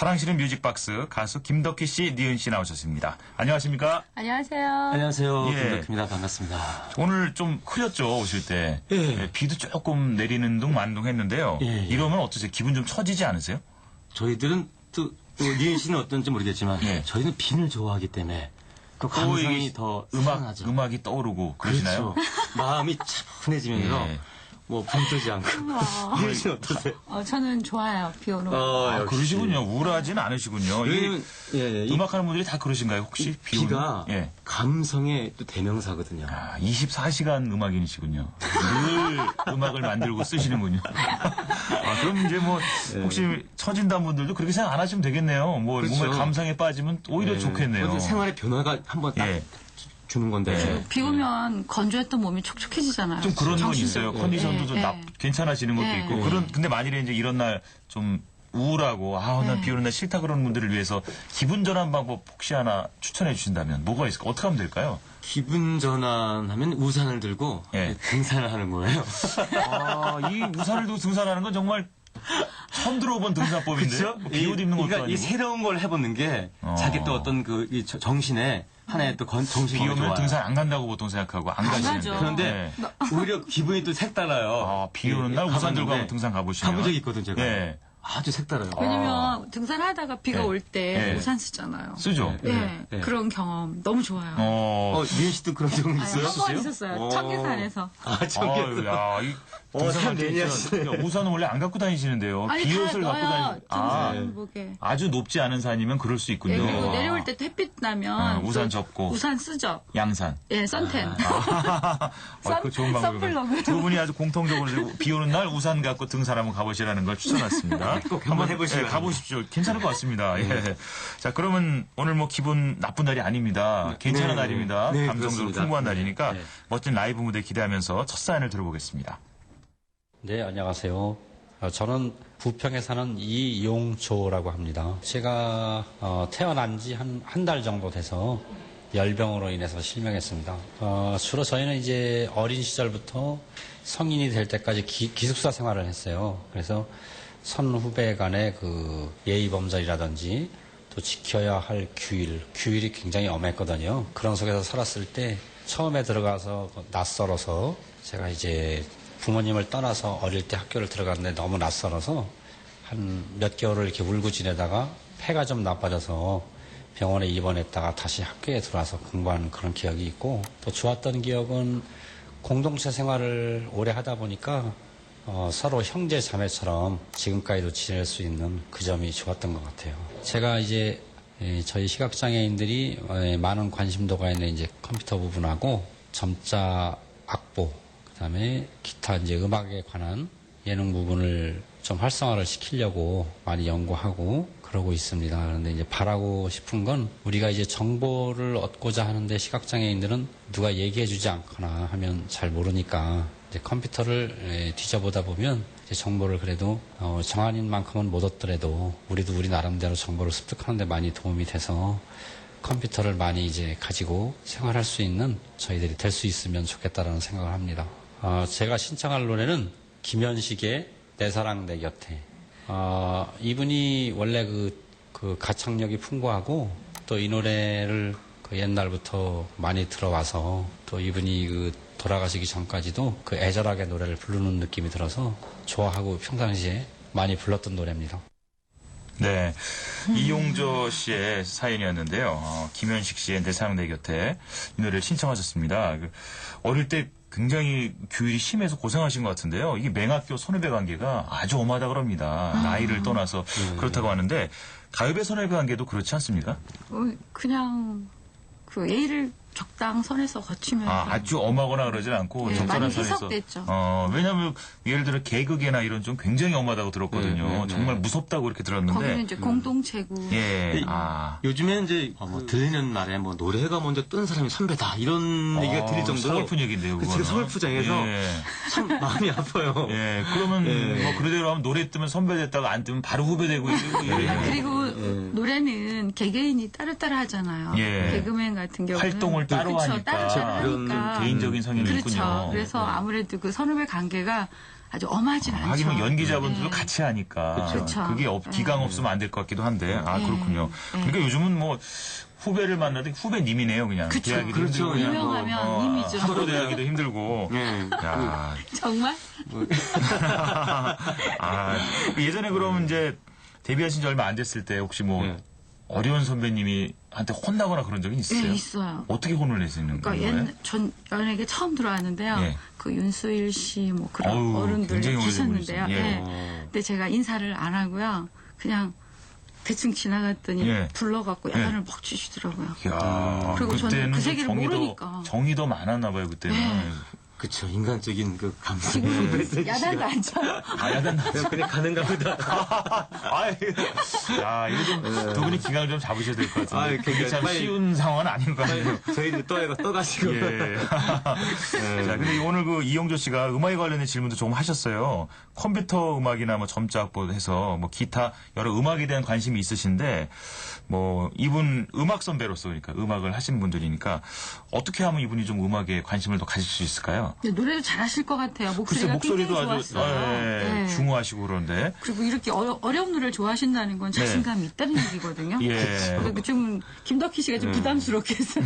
사랑스러운 뮤직박스 가수 김덕희 씨, 니은 씨 나오셨습니다. 안녕하십니까? 안녕하세요. 안녕하세요. 예. 김덕희입니다. 반갑습니다. 오늘 좀 흐렸죠, 오실 때. 예. 비도 조금 내리는 둥 만둥 했는데요. 예. 이러면 어떠세요? 기분 좀 처지지 않으세요? 저희들은 또 니은 씨는 어떤지 모르겠지만 예. 저희는 비를 좋아하기 때문에 또 또 감성이 이게 더 살아나죠. 음악이 떠오르고 그러시나요? 그렇죠. 마음이 차분해지면서 예. 뭐 붕뜨지 않고. 니은 씨는 어떠세요? 저는 좋아요. 비 오는 거. 아, 역시. 그러시군요. 우울하지는 않으시군요. 왜냐면 이 음악하는 분들이 다 그러신가요, 혹시? 비 오면? 비가 예. 감성의 또 대명사거든요. 24시간 음악인이시군요. 늘 음악을 만들고 쓰시는군요. 그럼 이제 뭐, 혹시 처진다는 분들도 그렇게 생각 안 하시면 되겠네요. 뭐, 그렇죠. 몸에 감성에 빠지면 오히려 좋겠네요. 그것도 생활의 변화가 한번 딱 예. 주는 건데. 예. 비 오면 건조했던 몸이 촉촉해지잖아요. 좀 그런 건 정신적으로. 있어요. 컨디션도 좀 예. 괜찮아지는 것도 예. 있고. 근데 만일에 이제 이런 날 좀 우울하고, 난 비 오는 날 싫다 그러는 분들을 위해서 기분 전환 방법 혹시 하나 추천해 주신다면 뭐가 있을까? 어떻게 하면 될까요? 기분 전환하면 우산을 들고 예. 등산을 하는 거예요. 이 우산을 두고 등산하는 건 정말 처음 들어본 등산법인데요. 비옷 입는 것도 그러니까 아니고. 이 새로운 걸 해보는 게 자기 또 어떤 이 정신에 하나의 또 정신이 비 오면 좋아요. 등산 안 간다고 보통 생각하고 안 가시는데. 가죠. 그런데 오히려 기분이 또 색달라요. 비 오는 날 우산 들고 가봤는데 한번 등산 가보시면. 가본 적이 있거든 제가. 예. 아주 색달라요. 왜냐면 등산하다가 비가 예. 올 때 예. 우산 쓰잖아요. 쓰죠? 예. 그런 경험 너무 좋아요. 니은 씨도 그런 경험 있어요? 한번 있었어요. 청계산에서. 청계산. 야, 이 참 등산할 때 매니아시네요. 진짜 우산은 원래 안 갖고 다니시는데요. 아니, 비옷을 다 갖고 넣어요. 다니. 등산복에. 아주 높지 않은 산이면 그럴 수 있군요. 예, 그리고 내려올 때 햇빛 나면 우산 또 접고. 우산 쓰죠. 양산. 예, 선텐. 그 좋은 방법이에요. 선블럭으로. 두 분이 아주 공통적으로 비 오는 날 우산 갖고 등산 한번 가보시라는 걸 추천했습니다. 꼭 한번 해보시기 가보십시오. 괜찮을 것 같습니다. 예. 자, 그러면 오늘 뭐 기분 나쁜 날이 아닙니다. 괜찮은 네. 날입니다. 네, 감정적으로 그렇습니다. 풍부한 날이니까 네. 멋진 라이브 무대 기대하면서 첫 사연을 들어보겠습니다. 네, 안녕하세요. 저는 부평에 사는 이용조라고 합니다. 제가 태어난 지 한 달 정도 돼서 열병으로 인해서 실명했습니다. 주로 저희는 이제 어린 시절부터 성인이 될 때까지 기숙사 생활을 했어요. 그래서 선후배 간의 그 예의범절이라든지 또 지켜야 할 규율이 굉장히 엄했거든요. 그런 속에서 살았을 때 처음에 들어가서 낯설어서 제가 이제 부모님을 떠나서 어릴 때 학교를 들어갔는데 너무 낯설어서 한 몇 개월을 이렇게 울고 지내다가 폐가 좀 나빠져서 병원에 입원했다가 다시 학교에 들어와서 공부하는 그런 기억이 있고, 또 좋았던 기억은 공동체 생활을 오래 하다 보니까 서로 형제 자매처럼 지금까지도 지낼 수 있는 그 점이 좋았던 것 같아요. 제가 이제 저희 시각장애인들이 많은 관심도가 있는 이제 컴퓨터 부분하고 점자 악보, 그다음에 기타 이제 음악에 관한 예능 부분을 좀 활성화를 시키려고 많이 연구하고 그러고 있습니다. 그런데 이제 바라고 싶은 건 우리가 이제 정보를 얻고자 하는데 시각장애인들은 누가 얘기해주지 않거나 하면 잘 모르니까 이제 컴퓨터를 뒤져보다 보면 이제 정보를 그래도 정한인만큼은 못 얻더라도 우리도 우리 나름대로 정보를 습득하는데 많이 도움이 돼서 컴퓨터를 많이 이제 가지고 생활할 수 있는 저희들이 될 수 있으면 좋겠다라는 생각을 합니다. 제가 신청할 노래는 김현식의 내 사랑 내 곁에. 이분이 원래 그 가창력이 풍부하고 또 이 노래를 그 옛날부터 많이 들어와서 또 이분이 그 돌아가시기 전까지도 그 애절하게 노래를 부르는 느낌이 들어서 좋아하고 평상시에 많이 불렀던 노래입니다. 네. 이용조 씨의 사연이었는데요. 김현식 씨의 내 사랑 내 곁에 이 노래를 신청하셨습니다. 어릴 때 굉장히 규율이 심해서 고생하신 것 같은데요. 이게 맹학교 선후배 관계가 아주 엄하다 그럽니다. 나이를 떠나서 그렇다고 하는데 가요배 선후배 관계도 그렇지 않습니까? 그냥 그 예의를 적당선에서 거치면서. 아주 엄하거나 그러진 않고 네, 적절한 많이 선에서. 희석됐죠. 왜냐하면 예를 들어 개그계나 이런 좀 굉장히 엄하다고 들었거든요. 정말 무섭다고 이렇게 들었는데. 거기는 이제 공동체고. 예. 요즘에는 이제 들리는 말에 뭐 노래가 먼저 뜬 사람이 선배다 이런 얘기가 들릴 정도로 서글픈 얘기인데요. 그 그거는. 지금 서울푸장에서 예. 참 마음이 아파요. 예, 그러면 뭐 그대로 하면 노래 뜨면 선배 됐다가 안 뜨면 바로 후배 되고 그리고 노래는 개개인이 따로따로 하잖아요. 예. 개그맨 같은 경우는 활동을 활동을 따로 그렇죠. 하니까 따로 그런 하니까. 개인적인 성향이 그렇죠. 있군요. 그래서 아무래도 그 선후배 관계가 아주 엄하진 않죠. 하긴 뭐 연기자분들도 네. 같이 하니까 그렇죠. 그게 기강 네. 없으면 안 될 것 같기도 한데 네. 그렇군요. 네. 그러니까 요즘은 뭐 후배를 만나도 후배님이네요 그냥. 그쵸. 대하기도 그렇죠. 힘들고 그냥 유명하면 님이죠. 서로 대하기도 힘들고. 예. 야, 정말? 예전에 그러면 이제 데뷔하신 지 얼마 안 됐을 때 혹시 뭐 네. 어려운 선배님이 한테 혼나거나 그런 적은 있어요? 네, 있어요. 어떻게 혼을 내시는 그러니까 거예요? 전 연예계 처음 들어왔는데요. 예. 그 윤수일 씨 뭐 그런 어우, 어른들 굉장히 오래된 계셨는데요. 분이시네. 예. 네. 근데 제가 인사를 안 하고요. 그냥 대충 지나갔더니 예. 불러갖고 예. 야단을 막 치시더라고요. 이야, 그리고 저는 그때는 그 좀 세계를 모르니까. 정이 더 많았나 봐요 그때는. 네. 그쵸. 인간적인 그 감성. 지금 야단도 안 쳐요. 야단 그냥 가는가 보다. 이거 좀 두 분이 기강을 좀 잡으셔야 될 것 같은데. 그러니까 그게 참 빨리- 쉬운 상황은 아닌 것 같아요. 저희들 떠가시고. 예. 자, 근데 오늘 그 이용조 씨가 음악에 관련된 질문도 조금 하셨어요. 컴퓨터 음악이나 뭐 점자 악보해서 뭐 기타 여러 음악에 대한 관심이 있으신데 뭐 이분 음악 선배로서 그러니까 음악을 하신 분들이니까 어떻게 하면 이분이 좀 음악에 관심을 더 가질 수 있을까요? 근데 노래도 잘하실 것 같아요. 글쎄 목소리가 목소리도 굉장히 아주 좋았어요. 네. 중후하시고 그런데 그리고 이렇게 어려운 노래를 좋아하신다는 건 자신감이 있다는 얘기거든요. 예. 그리고 좀 김덕희 씨가 좀 부담스럽게 했어요.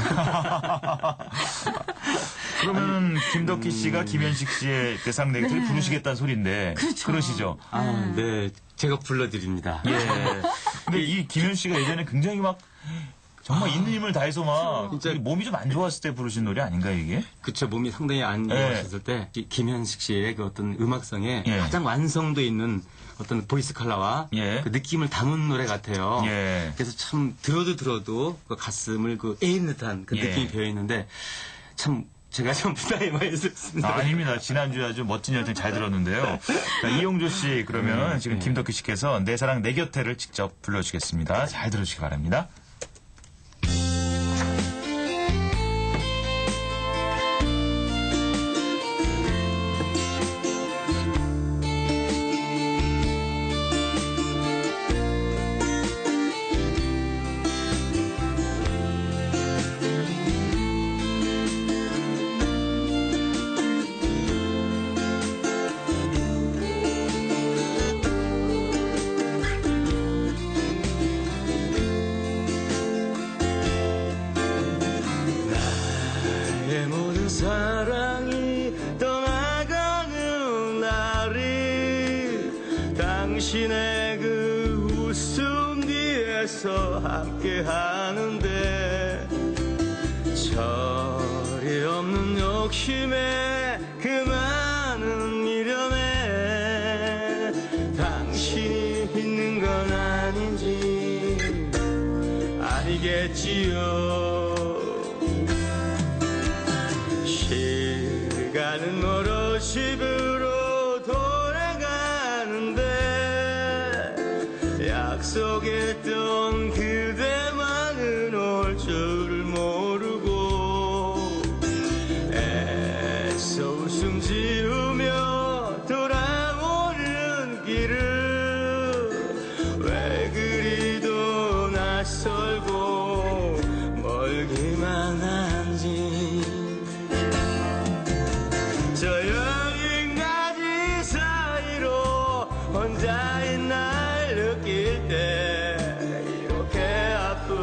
그러면 김덕희 씨가 김현식 씨의 대상 내기를 네. 부르시겠다는 소리인데 그렇죠. 그러시죠? 네. 제가 불러드립니다. 예. 근데 이 김현 씨가 예전에 굉장히 막 정말 있는 힘을 다해서 막 진짜. 몸이 좀 안 좋았을 때 부르신 노래 아닌가요 이게? 그쵸. 몸이 상당히 안 좋아졌을 때, 김현식 씨의 그 어떤 음악성에 예. 가장 완성도 있는 어떤 보이스 컬러와 예. 그 느낌을 담은 노래 같아요. 예. 그래서 참 들어도 그 가슴을 그 에인 듯한 그 예. 느낌이 배어 있는데 참 제가 좀 부담이 많이 있었습니다. 아닙니다. 지난주에 아주 멋진 열정 잘 들었는데요. 자, 이용조 씨 그러면 지금 김덕희 씨께서 내 사랑 내 곁에를 직접 불러주겠습니다. 잘 들어주시기 바랍니다. 내 모든 사랑이 떠나가는 날이 당신의 그 웃음 뒤에서 함께 하는데 철이 없는 욕심에 그 많은 미련에 당신이 있는 건 아닌지 알겠지요. 시간은 멀어 집으로 돌아가는데 약속했던 그대만은 올 줄을 모르고 애써 웃음 지으며 돌아오는 길을 왜 그리도 낯설고 멀기만 한지 저 여기까지 사이로 혼자인 날 느낄 때 이렇게 아픈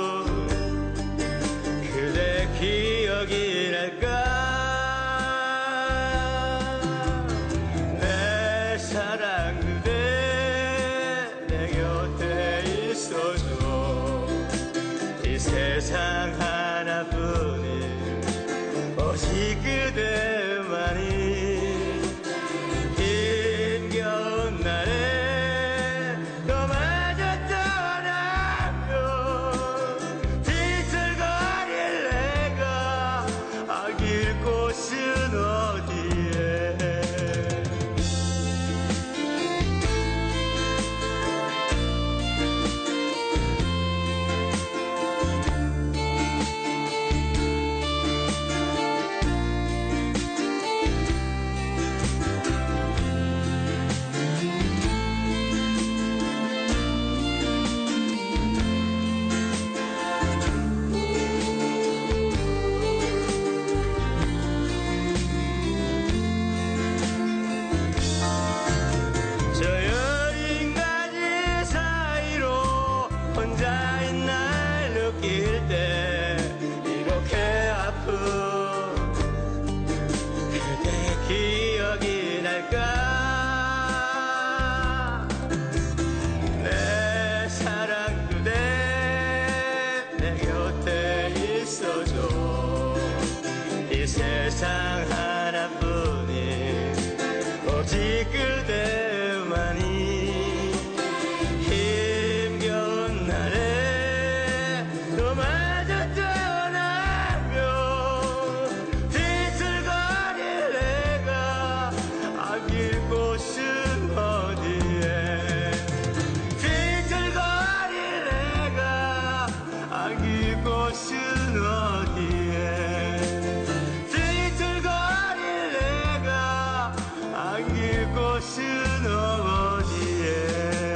그대 기억이 날까 내 사랑 그대 내 곁에 있어줘 이 세상 하나뿐인 오직 그대만이 힘겨운 날에 오직 그대만이 힘겨운 날에 너마저 떠나며 뒤틀거릴 내가 아낄 곳은 어디에 뒤틀거릴 내가 아낄 곳은 어디에 뒤틀거릴 내가 아낄 곳은 어디에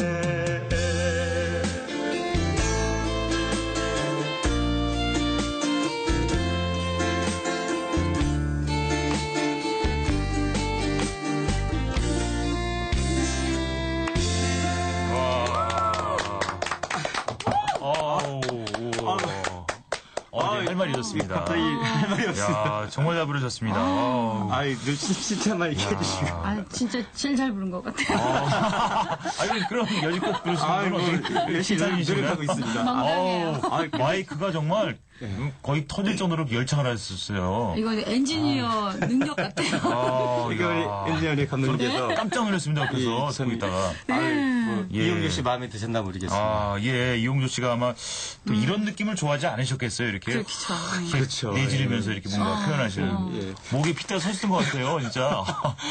할 말이 있었습니다. 갑자기 할 말이 없습니다. 야, 정말 잘 부르셨습니다. 아우. 아이, 진짜만 얘기해 주시고. 아, 진짜 제일 잘 부른 것 같아요. 아니, 그럼 여지껏 부르시는 건 어떻게 열심히 노력하고 있습니다. 망당해요. 마이크가 정말 거의 터질 정도로 열창을 하셨어요. 이거 엔지니어 능력 같아요. 이거 우리 엔지니어리 감독님께서 깜짝 놀랐습니다. 그래서 참- 듣고 있다가. 예. 이용규 씨 마음에 드셨나 모르겠습니다. 아, 예, 이용조 씨가 아마 또 이런 느낌을 좋아하지 않으셨겠어요. 이렇게 그렇죠. 이렇게 그렇죠. 내지르면서 이렇게 뭔가 표현하시는. 예. 목에 핏대 서셨던 것 같아요, 진짜.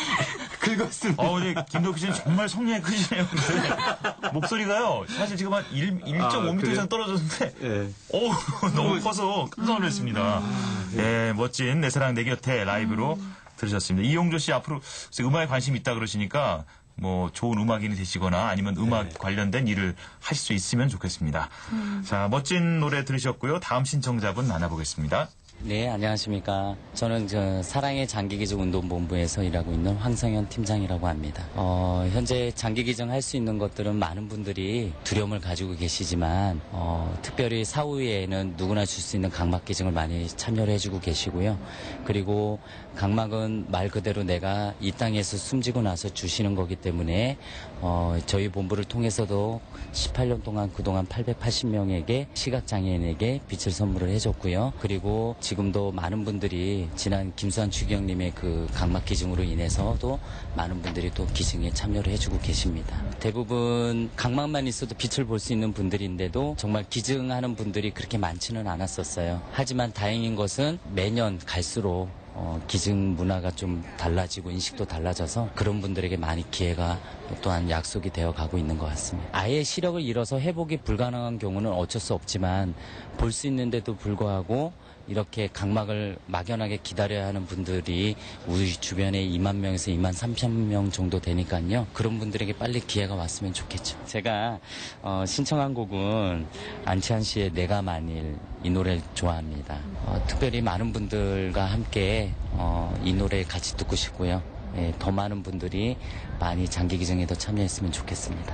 긁었습니다. 근데 김덕희 씨는 정말 성량이 크시네요. 근데 목소리가요, 사실 지금 한 1.5m 그래요? 이상 떨어졌는데, 예. 너무 커서 깜짝 놀랐습니다. 예, 멋진 내 사랑 내 곁에 라이브로 들으셨습니다. 이용조 씨 앞으로 음악에 관심이 있다 그러시니까, 뭐 좋은 음악인이 되시거나 아니면 음악 관련된 일을 하실 수 있으면 좋겠습니다. 자, 멋진 노래 들으셨고요. 다음 신청자분 만나보겠습니다. 네, 안녕하십니까. 저는 사랑의 장기기증 운동본부에서 일하고 있는 황성현 팀장이라고 합니다. 현재 장기기증 할 수 있는 것들은 많은 분들이 두려움을 가지고 계시지만, 특별히 사후에는 누구나 줄 수 있는 각막기증을 많이 참여를 해주고 계시고요. 그리고 각막은 말 그대로 내가 이 땅에서 숨지고 나서 주시는 거기 때문에, 저희 본부를 통해서도 18년 동안 그동안 880명에게 시각장애인에게 빛을 선물을 해줬고요. 그리고 지금도 많은 분들이 지난 김수환 추기경님의 그 각막 기증으로 인해서도 많은 분들이 또 기증에 참여를 해주고 계십니다. 대부분 각막만 있어도 빛을 볼 수 있는 분들인데도 정말 기증하는 분들이 그렇게 많지는 않았었어요. 하지만 다행인 것은 매년 갈수록 기증 문화가 좀 달라지고 인식도 달라져서 그런 분들에게 많이 기회가 또한 약속이 되어 가고 있는 것 같습니다. 아예 시력을 잃어서 회복이 불가능한 경우는 어쩔 수 없지만 볼 수 있는데도 불구하고 이렇게 각막을 막연하게 기다려야 하는 분들이 우리 주변에 2만 명에서 2만 3천 명 정도 되니까요. 그런 분들에게 빨리 기회가 왔으면 좋겠죠. 제가 신청한 곡은 안치환 씨의 내가 만일 이 노래를 좋아합니다. 특별히 많은 분들과 함께 이 노래 같이 듣고 싶고요. 예, 더 많은 분들이 많이 장기기증에도 참여했으면 좋겠습니다.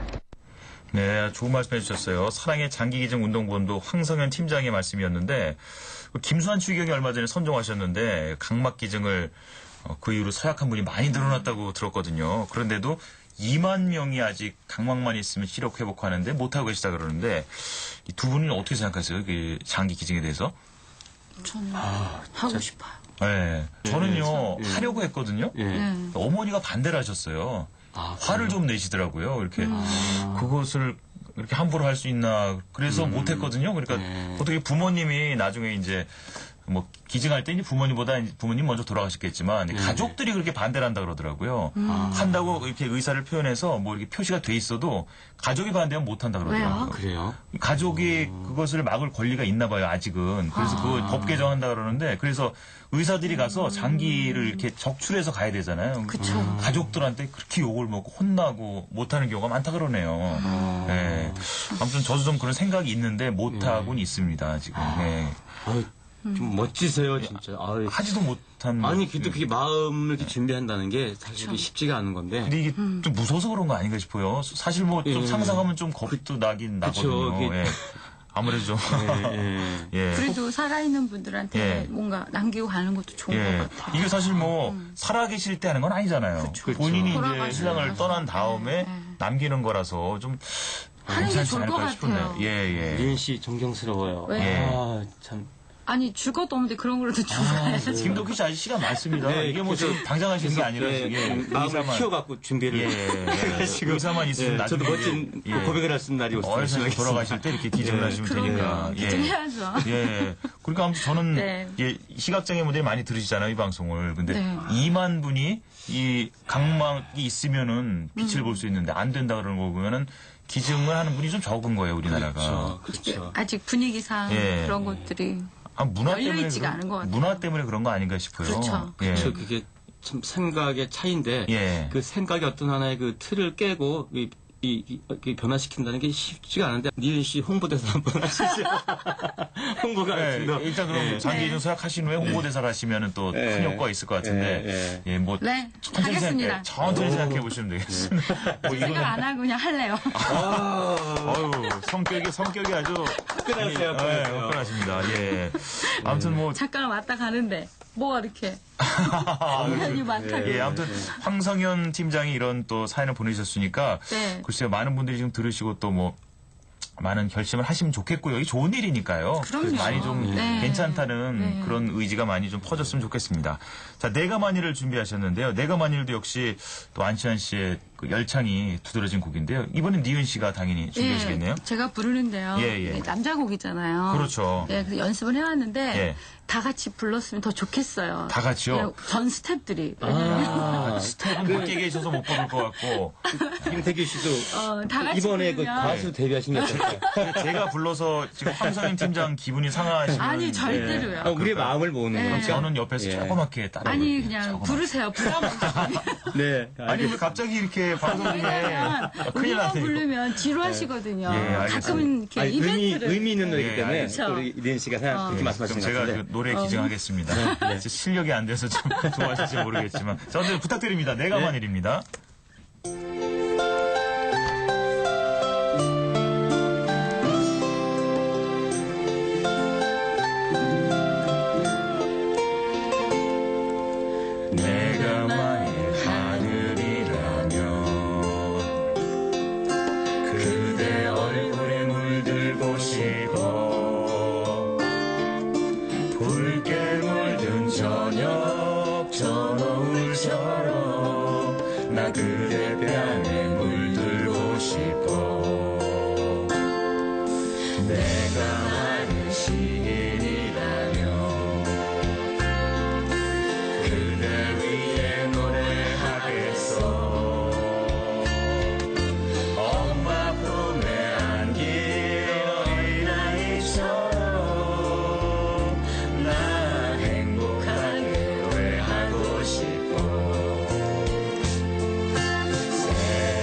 네, 좋은 말씀 해주셨어요. 사랑의 장기기증 운동본부 황성현 팀장의 말씀이었는데, 김수환 추기경이 얼마 전에 선정하셨는데 각막기증을 그 이후로 서약한 분이 많이 늘어났다고 들었거든요. 그런데도 2만 명이 아직 각막만 있으면 시력 회복하는데 못하고 계시다 그러는데 이 두 분은 어떻게 생각하세요? 그 장기기증에 대해서? 저는 하고 싶어요. 네, 저는요 하려고 했거든요. 예. 어머니가 반대를 하셨어요. 화를 좀 내시더라고요. 이렇게 그것을 이렇게 함부로 할 수 있나 그래서 못했거든요. 그러니까 어떻게 부모님이 나중에 이제 뭐 기증할 때 이제 부모님 먼저 돌아가셨겠지만 가족들이 그렇게 반대를 한다 그러더라고요. 한다고 이렇게 의사를 표현해서 뭐 이렇게 표시가 돼 있어도 가족이 반대하면 못 한다 그러더라고요. 왜요? 그래요? 가족이 그것을 막을 권리가 있나 봐요, 아직은. 그래서 그걸 법 개정한다 그러는데, 그래서 의사들이 가서 장기를 이렇게 적출해서 가야 되잖아요. 그쵸. 가족들한테 그렇게 욕을 먹고 혼나고 못하는 경우가 많다 그러네요. 네. 아무튼 저도 좀 그런 생각이 있는데 못하고는 있습니다, 지금. 네. 아유, 좀 멋지세요, 진짜. 아유. 하지도 못한. 아니, 근데 그게 마음을 이렇게 준비한다는 게 사실 그게 쉽지가 않은 건데. 근데 이게 좀 무서워서 그런 거 아닌가 싶어요. 사실 뭐 좀 상상하면 좀 겁도 나긴 나거든요. 그게- 예. 아무래도 좀. 예. 그래도 살아있는 분들한테 예. 뭔가 남기고 가는 것도 좋은 예. 것 같아요. 이게 사실 뭐 살아계실 때 하는 건 아니잖아요. 본인이 이제 돌아가시고 신랑을 나서. 떠난 다음에 네. 남기는 거라서 좀 하는 게 괜찮지 좋을 않을까 것 싶은데. 같아요. 예, 예. 리은 씨 존경스러워요. 왜? 예. 아, 참. 아니 줄 것도 없는데 그런 거라도 주고 가야죠. 김덕희 씨 아직 시간 많습니다. 네, 이게 뭐 그래서- 지금 당장 하시는 게 아니라 마음을 의사만 키워갖고 준비를 지금 의사만 있으면 나중에 저도 멋진 고백을 할 수 있는 날이 어르신 오시면 돌아가실 때 이렇게 기증을 하시면 되니까. 기증해야죠. 예. 그러니까 아무튼 저는 네. 예, 시각장애 분들이 많이 들으시잖아요, 이 방송을. 근데 네. 2만 분이 이 각막이 있으면은 빛을 볼 수 있는데 안 된다 그러는 거 보면은 기증을 하는 분이 좀 적은 거예요, 우리나라가. 그렇죠. 아직 분위기상 예. 그런 것들이 아, 문화 때문에 열려있지가 않은 것 같아요. 문화 때문에 그런 거 아닌가 싶어요. 그렇죠. 예. 저 그게 참 생각의 차이인데 예. 그 생각의 어떤 하나의 그 틀을 깨고 이 변화시킨다는 게 쉽지가 않은데 니은 씨 홍보대사 한번 하시죠. 홍보가 네, 좀 더. 일단 그럼 예. 장기이전 서약하신 후에 홍보대사를 하시면은 또 큰 예. 효과가 있을 것 같은데 예, 예, 뭐 네, 천천히 하겠습니다. 천천히 생각해 보시면 되겠습니다. 뭐 생각 안 하고 그냥 할래요. 어유 성격이 아주 화끈하세요, 예, 화끈하세요. 화끈하십니다. 예. 아무튼 뭐 잠깐 왔다 가는데 뭐가 이렇게 인연이 많다고. 예, 아무튼 황성현 팀장이 이런 또 사연을 보내주셨으니까 네. 글쎄요 많은 분들이 지금 들으시고 또 뭐 많은 결심을 하시면 좋겠고요. 이게 좋은 일이니까요. 그럼요. 많이 좀 네. 괜찮다는 네. 그런 의지가 많이 좀 퍼졌으면 좋겠습니다. 자, 내가 만일을 준비하셨는데요. 내가 만일도 역시 또 안치환 씨의 그 열창이 두드러진 곡인데요. 이번엔 니은 씨가 당연히 준비하시겠네요. 예, 제가 부르는데요. 예, 예. 이게 남자 곡이잖아요. 그렇죠. 예, 그래서 연습을 해왔는데 예. 다 같이 불렀으면 더 좋겠어요. 다 같이요? 예, 전 스탭들이. 스텝은 밖에 계셔서 못 부를 것 같고 김태규 씨도 다 같이 이번에 그 부르면- 가수 데뷔하신 게 어떨까요? 제가 불러서 지금 황성현 팀장 기분이 상하시면 아니 절대로요. 우리의 마음을 모으는 네. 거니까. 저는 옆에서 예. 조그맣게 따라 아니 그냥 부르세요. 부담 없이. 네. 아니 왜 갑자기 이렇게 방송 중에 왜냐면 큰일 우리만 났네. 부르면 지루하시거든요. 예, 알겠습니다. 가끔은 이렇게 아니, 이벤트를. 의미 있는 노래이기 예, 때문에 알겠습니다. 우리 이대인 씨가 그렇게 그럼 말씀하시는 것 제가 같은데. 그 노래 기증하겠습니다. 제 실력이 안 돼서 좀 좋아하실지 모르겠지만. 자, 오늘 부탁드립니다. 내가 만일입니다. 내가 만일 하늘이라면 그대 얼굴에 물들고 싶어 붉게 물든 저녁 저 노을처럼 나 그대 뺨에 물들고 싶어 내가 만일 시인이라면 그대 위에 노래하겠어 엄마 품에 안긴 어린아이처럼 나 행복하게 노래하고 싶어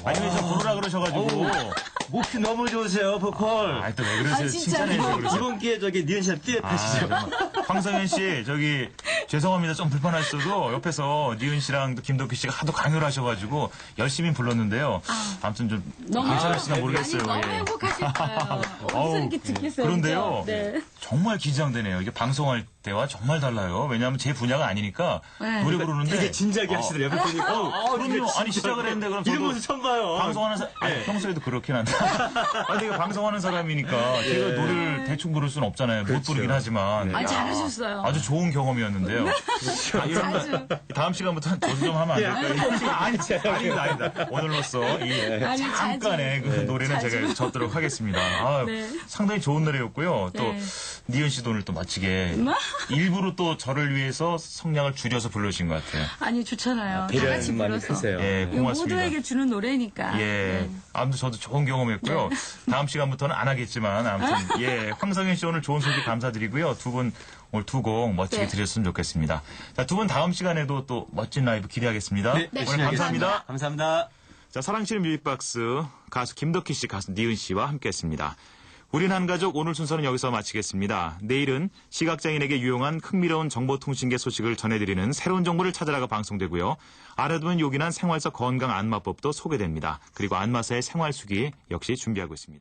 아니면 저 부르라 그러셔가지고. 목이 너무 좋으세요, 보컬. 아, 또 왜 그러세요? 칭찬해주세요, 그러세요. 이번 기회에 저기 니은 씨랑 듀엣 하시죠. 황성현 씨, 저기, 죄송합니다. 좀 불편하셔도 옆에서 니은 씨랑 또 김덕희 씨가 하도 강요를 하셔가지고 열심히 불렀는데요. 아무튼 좀 괜찮으시나 모르겠어요. 아니, 너무 예. 행복하실 거예요. 어디서 어우, 이렇게 듣겠어요. 그런데요. 그죠? 네. 정말 긴장되네요. 이게 방송할 때와 정말 달라요. 왜냐하면 제 분야가 아니니까 네. 노래 부르는데. 되게 진지하게 하시더라고요. 옆에 보니까. 그럼요. 아니, 시작을 했는데 그럼 이런 저도 모습 처음 봐요. 방송하는 사람, 아니, 평소에도 그렇긴 한데. 아니, 내가 방송하는 사람이니까 제가 노래를 대충 부를 수는 없잖아요. 못 부르긴 하지만. 아니, 잘하셨어요. 아주 좋은 경험이었는데요. 아, 이런 다음 시간부터 저도 좀 하면 안 될까요? 아닙니다. 오늘로써 이 아니, 잠깐의 그 노래는 제가 젓도록 하겠습니다. 아, 네. 상당히 좋은 노래였고요. 또 네. 니은 씨도 오늘 또 멋지게 일부러 또 저를 위해서 성량을 줄여서 불러주신 것 같아요. 아니, 좋잖아요. 다 같이 불러서. 예, 이거 고맙습니다. 모두에게 주는 노래니까. 예. 네. 아무튼 저도 좋은 경험이었고요. 다음 시간부터는 안 하겠지만, 아무튼, 예. 황성현 씨 오늘 좋은 소식 감사드리고요. 두 분 오늘 두 곡 멋지게 네. 드렸으면 좋겠습니다. 자, 두 분 다음 시간에도 또 멋진 라이브 기대하겠습니다. 네, 오늘 감사합니다. 감사합니다. 자, 사랑치는 뮤직박스 가수 김덕희 씨, 가수 니은 씨와 함께 했습니다. 우린 한 가족 오늘 순서는 여기서 마치겠습니다. 내일은 시각장애인에게 유용한 흥미로운 정보통신계 소식을 전해드리는 새로운 정보를 찾아라가 방송되고요. 알아두면 요긴한 생활서 건강 안마법도 소개됩니다. 그리고 안마사의 생활수기 역시 준비하고 있습니다.